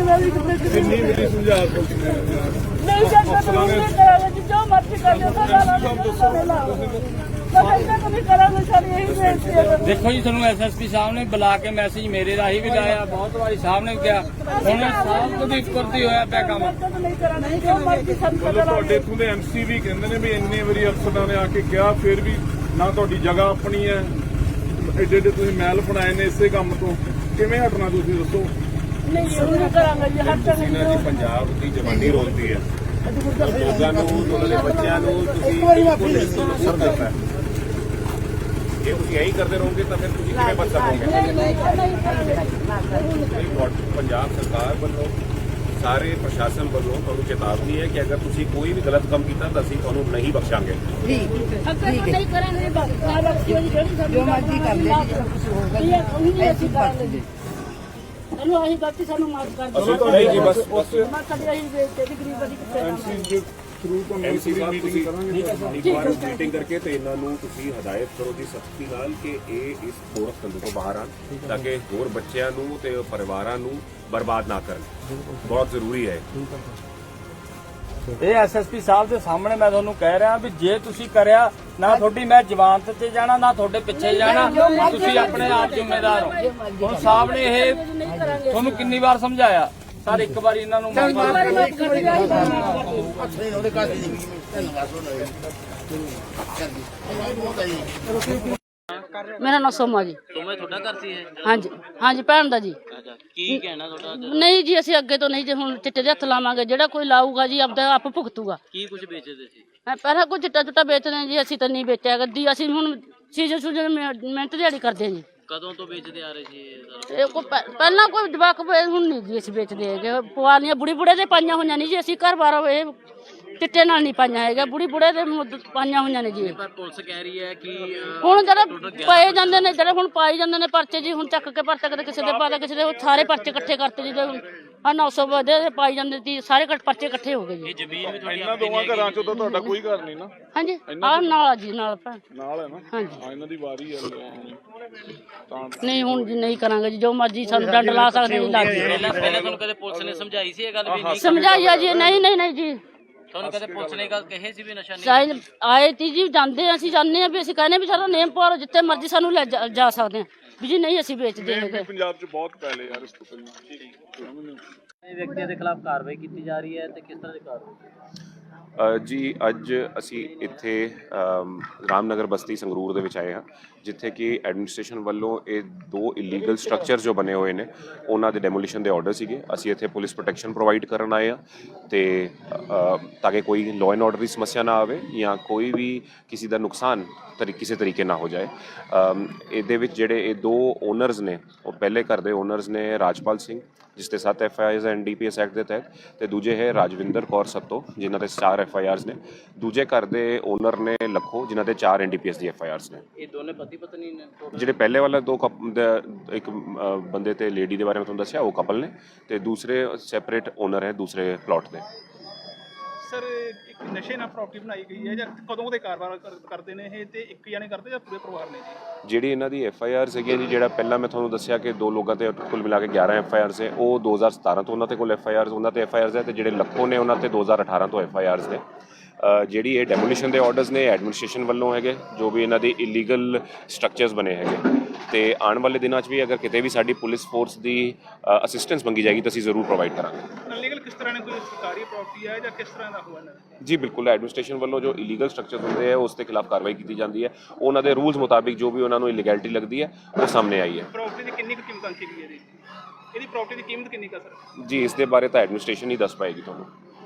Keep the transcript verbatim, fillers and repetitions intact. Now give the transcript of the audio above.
ਕਿੰਨੀ ਵਾਰੀ ਸਮਝਾ ਨਹੀਂ ਜਾਂਦਾ ਤਾਂ ਨਹੀਂ ਕਰਾਂਗੇ ਜੋ ਮਰਜ਼ੀ ਕਰ ਦਿਓ ਸਦਾ ਲਾਓ देखो जी ਤੁਹਾਨੂੰ ਐਸ ਐਸ ਪੀ ਸਾਹਿਬ ਨੇ ਬੁਲਾ ਕੇ ਮੈਸੇਜ ਮੇਰੇ ਰਾਹੀਂ ਵੀ ਲਾਇਆ ਬਹੁਤ ਵਾਰੀ ਸਾਹਿਬ ਨੇ ਕਿਹਾ ਹੁਣ ਸਾਹਿਬ ਤੋਂ ਵੀ ਉੱਪਰ ਦੀ ਹੋਇਆ ਪਿਆ ਕੰਮ ਤੁਹਾਡੇ ਇੱਥੋਂ ਦੇ ਐਮ ਸੀ ਵੀ ਕਹਿੰਦੇ ਨੇ ਵੀ ਇੰਨੇ ਵਾਰੀ ਅਫਸਰਾਂ ਨੇ ਆ ਕੇ ਕਿਹਾ ਫਿਰ ਵੀ ਨਾ ਤੁਹਾਡੀ ਜਗ੍ਹਾ ਆਪਣੀ ਹੈ ਏਡੇ ਏਡੇ ਤੁਸੀਂ ਮਹਿਲ ਬਣਾਏ ਨੇ ਇਸੇ ਕੰਮ ਤੋਂ ਕਿਵੇਂ ਹਟਣਾ ਤੁਸੀਂ ਦੱਸੋ ਨਹੀਂ ਜ਼ਰੂਰ ਕਰਾਂਗੇ ਜੀ ਹਰ ਤਰ੍ਹਾਂ ਪੰਜਾਬ ਦੀ ਜਵਾਨੀ ਰੋਲਦੀ ਹੈ ਲੋਕਾਂ ਨੂੰ ਉਹਨਾਂ ਦੇ ਬੱਚਿਆਂ ਨੂੰ ਤੁਸੀਂ ਬਿਲਕੁਲ ਅਸਰ ਦਿੱਤਾ ਜੇ ਤੁਸੀਂ ਇਹੀ ਕਰਦੇ ਰਹੋਗੇ ਤਾਂ ਫਿਰ ਤੁਸੀਂ ਕਿਵੇਂ ਬਚ ਸਕੋਗੇ ਪੰਜਾਬ ਸਰਕਾਰ ਵੱਲੋਂ ਸਾਰੇ ਪ੍ਰਸ਼ਾਸਨ ਵੱਲੋਂ ਤੁਹਾਨੂੰ ਚੇਤਾਵਨੀ ਹੈ ਕਿ ਅਗਰ ਤੁਸੀਂ ਕੋਈ ਵੀ ਗਲਤ ਕੰਮ ਕੀਤਾ ਤਾਂ ਅਸੀਂ ਤੁਹਾਨੂੰ ਨਹੀਂ ਬਖਸ਼ਾਂਗੇ ਜੀ ਨਹੀਂ ਕਰਾਂਗੇ ਜੋ ਮਰਜ਼ੀ ਕਰ ਲੈ ਜੀ ਅਸੀਂ ਕਰਾਂਗੇ ਸਾਨੂੰ ਆਹੀ ਗਲਤੀ ਸਾਨੂੰ ਮਾਫ ਕਰ ਦਿਓ ਨਹੀਂ ਜੀ ਬਸ ਉਸ ਮੈਂ ਕਦੇ ਆਹੀ ਤੇਰੀ ਗਰੀਬ ਦੀ ਕਿੱਥੇ ਐਮਸੀ ਦੇ ਥਰੂ ਤੋਂ ਐਮਸੀ ਸਾਹਿਬ ਮੀਟਿੰਗ ਤੁਸੀਂ ਕਰਾਂਗੇ ਇੱਕ ਵਾਰ ਮੀਟਿੰਗ ਕਰਕੇ ਤੇ ਇਹਨਾਂ ਨੂੰ ਤੁਸੀਂ ਹਦਾਇਤ ਕਰੋ ਜੀ ਸਖਤੀ ਨਾਲ ਕਿ ਇਹ ਇਸ ਥੋੜਾ ਸੰਦ ਤੋਂ ਬਾਹਰ ਆਣ ਤਾਂ ਕਿ ਹੋਰ ਬੱਚਿਆਂ ਨੂੰ ਤੇ ਪਰਿਵਾਰਾਂ ਨੂੰ ਬਰਬਾਦ ਨਾ ਕਰਨ ਬਹੁਤ ਜ਼ਰੂਰੀ ਹੈ ਇਹ ਐਸ ਐਸ ਪੀ ਸਾਹਿਬ ਦੇ ਸਾਹਮਣੇ ਮੈਂ ਤੁਹਾਨੂੰ ਕਹਿ ਰਿਹਾ ਵੀ ਜੇ ਤੁਸੀਂ ਕਰਿਆ ਨਾ ਤੁਹਾਡੀ ਮੈਂ ਜ਼ਮਾਨਤ ਤੇ ਜਾਣਾ ਨਾ ਤੁਹਾਡੇ ਪਿੱਛੇ ਜਾਣਾ ਤੁਸੀਂ ਆਪਣੇ ਆਪ ਜ਼ਿੰਮੇਦਾਰ ਹੋ ਹੁਣ ਸਾਹਿਬ ਨੇ ਇਹ ਤੁਹਾਨੂੰ ਕਿੰਨੀ ਵਾਰ ਸਮਝਾਇਆ ਸਰ ਇੱਕ ਵਾਰੀ ਇਹਨਾਂ ਨੂੰ ਮੇਰਾ ਨਾਮ ਸੋਮਾ ਜੀ ਸੋਮਾ ਤੁਹਾਡਾ ਘਰ ਸੀ ਇਹ ਹਾਂਜੀ ਹਾਂਜੀ ਭੈਣ ਦਾ ਜੀ ਅੱਛਾ ਕੀ ਕਹਿਣਾ ਤੁਹਾਡਾ ਨਹੀਂ ਜੀ ਅਸੀਂ ਅੱਗੇ ਤੋਂ ਨਹੀਂ ਜੇ ਹੁਣ ਚਿੱਟੇ ਦੇ ਹੱਥ ਲਾਵਾਂਗੇ ਜਿਹੜਾ ਕੋਈ ਲਾਊਗਾ ਜੀ ਆਪਦਾ ਆਪ ਭੁਗਤੂਗਾ ਕੀ ਕੁਝ ਵੇਚਦੇ ਸੀ ਮੈਂ ਪਹਿਲਾਂ ਕੋਈ ਚਿੱਟਾ ਚੁੱਟਾ ਵੇਚਦੇ ਜੀ ਅਸੀਂ ਤਾਂ ਨਹੀਂ ਵੇਚਿਆ ਗੱਦੀ ਅਸੀਂ ਹੁਣ ਸੀਜ਼ਨ ਸੂਜਨ ਮਿਹਨਤ ਦਿਹਾੜੀ ਕਰਦੇ ਜੀ ਕਦੋਂ ਤੋਂ ਵੇਚਦੇ ਆ ਰਹੇ ਸੀ ਇਹ ਸਾਰਾ? ਇਹ ਕੋਈ ਪਹਿਲਾਂ ਕੋਈ ਜਵਾਕ ਹੁਣ ਨਹੀਂ ਜੀ ਅਸੀਂ ਵੇਚਦੇ ਹੈਗੇ ਪੁਆਲੀਆਂ ਬੁੜੀ ਬੁੜੇ ਦੇ ਪਾਈਆਂ ਹੋਈਆਂ ਨਹੀਂ ਜੀ ਅਸੀਂ ਘਰ ਬਾਰ ਇਹ ਚਿੱਟੇ ਨਾਲ ਨਹੀਂ ਪਾਈਆਂ ਹੈਗਾ ਬੁੜੀ ਬੁੜੇ ਦੇ ਪਾਈਆਂ ਹੋਈਆਂ ਨੇ ਜੀ ਪਰ ਪੁਲਿਸ ਕਹਿ ਰਹੀ ਹੈ ਕਿ ਹੁਣ ਜਿਹੜੇ ਪਏ ਜਾਂਦੇ ਨੇ ਜਿਹੜੇ ਹੁਣ ਪਾਈ ਜਾਂਦੇ ਨੇ ਪਰਚੇ ਜੀ ਹੁਣ ਚੱਕ ਕੇ ਪਰਚਾ ਕਦੇ ਕਿਸੇ ਦੇ ਪਾਦਾ ਕਿਸੇ ਦੇ ਸਾਰੇ ਪਰਚੇ ਇਕੱਠੇ ਕਰਤੇ ਜੀ ਆ ਨੌ ਸੌ ਵਧੇ ਪਾਈ ਜਾਂਦੇ ਸੀ ਸਾਰੇ ਪਰਚੇ ਇਕੱਠੇ ਹੋ ਗਏ ਜੀ ਇਹ ਜ਼ਮੀਨ ਵੀ ਤੁਹਾਡੀ ਇਹਨਾਂ ਦੋਵਾਂ ਘਰਾਂ ਚੋਂ ਤਾਂ ਤੁਹਾਡਾ ਕੋਈ ਘਰ ਨਹੀਂ ਨਾ ਹਾਂਜੀ ਆ ਨਾਲ ਆ ਜੀ ਨਾਲ ਭੈਣ ਨਾਲ ਹੈ ਨਾ ਹਾਂਜੀ ਹਾਂ ਇਹਨਾਂ ਦੀ ਵਾਰੀ ਹੈ ਤਾਂ ਨਹੀਂ ਹੁਣ ਜੀ ਨਹੀਂ ਕਰਾਂਗੇ ਜੀ ਜੋ ਮਰਜ਼ੀ ਸਾਨੂੰ ਡੰਡ ਲਾ ਸਕਦੇ ਜੀ ਲੱਗ ਪਹਿਲਾਂ ਪਹਿਲਾਂ ਤੁਹਾਨੂੰ ਕਦੇ ਪੁਲਿਸ ਨੇ ਸਮਝਾਈ ਸੀ ਇਹ ਗੱਲ ਵੀ ਨਹੀਂ ਸਮਝਾਈਆ ਜੀ ਨਹੀਂ ਨਹੀਂ ਨਹੀਂ ਜੀ ਤੁਹਾਨੂੰ ਕਦੇ ਪੁਲਿਸ ਨੇ ਗੱਲ ਕਹੀ ਸੀ ਵੀ ਨਸ਼ਾ ਨਹੀਂ ਸਾਈਨ ਆਏ ਤੀ ਜੀ ਜਾਂਦੇ ਅਸੀਂ ਜਾਂਦੇ ਆ ਵੀ ਅਸੀਂ ਕਹਿੰਦੇ ਵੀ ਸਾਡਾ ਨੇਮ ਪਾਓ ਜਿੱਥੇ ਮਰਜ਼ੀ ਸਾਨੂੰ ਲੈ ਜਾ ਜਾ ਸਕਦੇ ਆ ਵੀ ਜੀ ਨਹੀਂ ਅਸੀਂ ਵੇਚਦੇ ਹੈਗੇ ਪੰਜਾਬ 'ਚ ਬਹੁਤ ਪਹਿਲੇ ਯਾਰ ਇਸ ਤੋਂ ਪਹਿਲਾਂ ਇਹ ਵਿਅਕਤੀ ਦੇ ਖਿਲਾਫ ਕਾਰਵਾਈ ਕੀਤੀ ਜਾ ਰਹੀ ਹੈ ਤੇ ਕਿਸ ਤਰ੍ਹਾਂ ਦੀ ਕਾਰਵਾਈ ਜੀ ਅੱਜ ਅਸੀਂ ਇੱਥੇ ਰਾਮਨਗਰ ਬਸਤੀ ਸੰਗਰੂਰ ਦੇ ਵਿੱਚ ਆਏ ਹਾਂ ਜਿੱਥੇ ਕਿ ਐਡਮਿਨਿਸਟ੍ਰੇਸ਼ਨ ਵੱਲੋਂ ਇਹ ਦੋ ਇਲੀਗਲ ਸਟਰਕਚਰ ਜੋ ਬਣੇ ਹੋਏ ਨੇ ਉਹਨਾਂ ਦੇ ਡੈਮੋਲੀਸ਼ਨ ਦੇ ਆਰਡਰ ਸੀਗੇ ਅਸੀਂ ਇੱਥੇ ਪੁਲਿਸ ਪ੍ਰੋਟੈਕਸ਼ਨ ਪ੍ਰੋਵਾਈਡ ਕਰਨ ਆਏ ਹਾਂ ਤੇ ਤਾਂ ਕਿ ਕੋਈ ਲਾਅ ਐਂਡ ਆਰਡਰ ਦੀ ਸਮੱਸਿਆ ਨਾ ਆਵੇ ਜਾਂ ਕੋਈ ਵੀ ਕਿਸੇ ਦਾ ਨੁਕਸਾਨ ਤਰੀ ਕਿਸੇ ਤਰੀਕੇ ਨਾ ਹੋ ਜਾਏ ਇਹਦੇ ਵਿੱਚ ਜਿਹੜੇ ਇਹ ਦੋ ਓਨਰਸ ਨੇ ਉਹ ਪਹਿਲੇ ਘਰ ਦੇ ਓਨਰਸ ਨੇ ਰਾਜਪਾਲ ਸਿੰਘ ਜਿਸ ਤੇ ਸੱਤ F I Rs N D P S act ਦੇ ਤਹਿਤ ਤੇ ਦੂਜੇ ਹੈ ਰਾਜਵਿੰਦਰ ਕੌਰ ਸੱਤੋ ਜਿਨ੍ਹਾਂ ਤੇ ਚਾਰ ਐਫ ਆਈ ਆਰਸ ਨੇ ਦੂਜੇ ਘਰ ਦੇ ਓਨਰ ਨੇ ਲੱਖੋ ਜਿਨ੍ਹਾਂ ਤੇ ਚਾਰ ਐਨ ਡੀ ਪੀ ਐਸ ਦੀ ਐਫ ਆਈ ਆਰਸ ਨੇ ਇਹ ਦੋਨੇ ਪਤੀ ਪਤਨੀ ਨੇ ਜਿਹੜੇ ਪਹਿਲੇ ਵਾਲਾ ਦੋ ਇੱਕ ਬੰਦੇ ਤੇ ਲੇਡੀ ਦੇ ਬਾਰੇ ਮੈਂ ਤੁਹਾਨੂੰ ਦੱਸਿਆ ਉਹ ਕਪਲ ਨੇ ਤੇ ਦੂਸਰੇ ਸੈਪਰੇਟ ਓਨਰ ਹੈ ਦੂਸਰੇ ਪਲਾਟ ਦੇ ਸਰ ਇੱਕ ਨਸ਼ੇ ਨਾਲ ਪ੍ਰਾਪਰਟੀ ਬਣਾਈ ਗਈ ਹੈ ਜਾਂ ਕਦੋਂ ਦੇ ਕਾਰੋਬਾਰ ਕਰਦੇ ਨੇ ਇਹ ਤੇ ਇੱਕ ਜਾਣੇ ਕਰਦੇ ਜਾਂ ਪੂਰੇ ਪਰਿਵਾਰ ਨੇ ਜੀ ਜਿਹੜੀ ਇਹਨਾਂ ਦੀ ਐਫ ਆਈ ਆਰ ਸੀਗੀ ਜੀ ਜਿਹੜਾ ਪਹਿਲਾਂ ਮੈਂ ਤੁਹਾਨੂੰ ਦੱਸਿਆ ਕਿ ਦੋ ਲੋਕਾਂ ਤੇ ਕੁੱਲ ਮਿਲਾ ਕੇ ਗਿਆਰਾਂ ਐਫ ਆਈ ਆਰਸ ਹੈ ਉਹ ਦੋ ਹਜ਼ਾਰ ਸਤਾਰਾਂ ਤੋਂ ਉਹਨਾਂ ਤੇ ਕੋਲ ਐਫ ਆਈ ਆਰਸ ਉਹਨਾਂ ਤੇ ਐਫ ਆਈ ਆਰਸ ਹੈ ਤੇ ਜਿਹੜੇ ਲੱਖੋਂ ਨੇ ਉਹਨਾਂ ਤੇ ਦੋ ਹਜ਼ਾਰ ਅਠਾਰਾਂ ਤੋਂ ਐਫ ਆਈ ਆਰਸ ਨੇ ਜਿਹੜੀ ਇਹ ਡੈਮੋਲੀਸ਼ਨ ਦੇ ਆਰਡਰਸ ਨੇ ਐਡਮਿਨਿਸਟ੍ਰੇਸ਼ਨ ਵੱਲੋਂ ਹੈਗੇ ਜੋ ਵੀ ਇਹਨਾਂ ਦੇ ਇਲੀਗਲ ਸਟਰਕਚਰਸ ਬਣੇ ਹੈਗੇ ਤੇ ਆਉਣ ਵਾਲੇ ਦਿਨਾਂ 'ਚ ਵੀ ਅਗਰ ਕਿਤੇ ਵੀ ਸਾਡੀ ਪੁਲਿਸ ਫੋਰਸ ਦੀ ਅਸਿਸਟੈਂਸ ਮੰਗੀ ਜਾਏਗੀ ਤਾਂ ਅਸੀਂ ਜ਼ਰੂਰ ਪ੍ਰੋਵਾਈਡ ਕਰਾਂਗੇ ਅਨਲੀਗਲ ਕਿਸ ਤਰ੍ਹਾਂ ਨੇ ਕੋਈ ਸਰਕਾਰੀ ਪ੍ਰਾਪਰਟੀ ਹੈ ਜਾਂ ਕਿਸ ਤਰ੍ਹਾਂ ਦਾ ਹੋਇਆ ਨਾ ਜੀ ਬਿਲਕੁਲ ਐਡਮਿਨਿਸਟ੍ਰੇਸ਼ਨ ਵੱਲੋਂ ਜੋ ਇਲੀਗਲ ਸਟਰਕਚਰ ਹੁੰਦੇ ਆ ਉਸ ਦੇ ਖਿਲਾਫ ਕਾਰਵਾਈ ਕੀਤੀ ਜਾਂਦੀ ਹੈ ਉਹਨਾਂ ਦੇ ਰੂਲਸ ਮੁਤਾਬਿਕ ਜੋ ਵੀ ਉਹਨਾਂ ਨੂੰ ਇਲੀਗੈਲਿਟੀ ਲੱਗਦੀ ਹੈ ਉਹ ਸਾਹਮਣੇ ਆਈ ਹੈ ਪ੍ਰਾਪਰਟੀ ਦੀ ਕਿੰਨੀ ਕੁ ਕੀਮਤ ਅੰਕੀ ਗਈ ਹੈ ਜੀ ਇਹਦੀ ਪ੍ਰਾਪਰਟੀ ਦੀ ਕੀਮਤ ਕਿੰਨੀ ਕੁ ਸਰ ਜੀ ਇਸ ਦੇ ਬਾਰੇ ਤਾਂ ਐਡਮਿਨਿਸਟ੍ਰੇਸ਼ਨ ਹੀ ਦੱਸ ਪਾਏਗੀ ਤੁਹਾਨੂੰ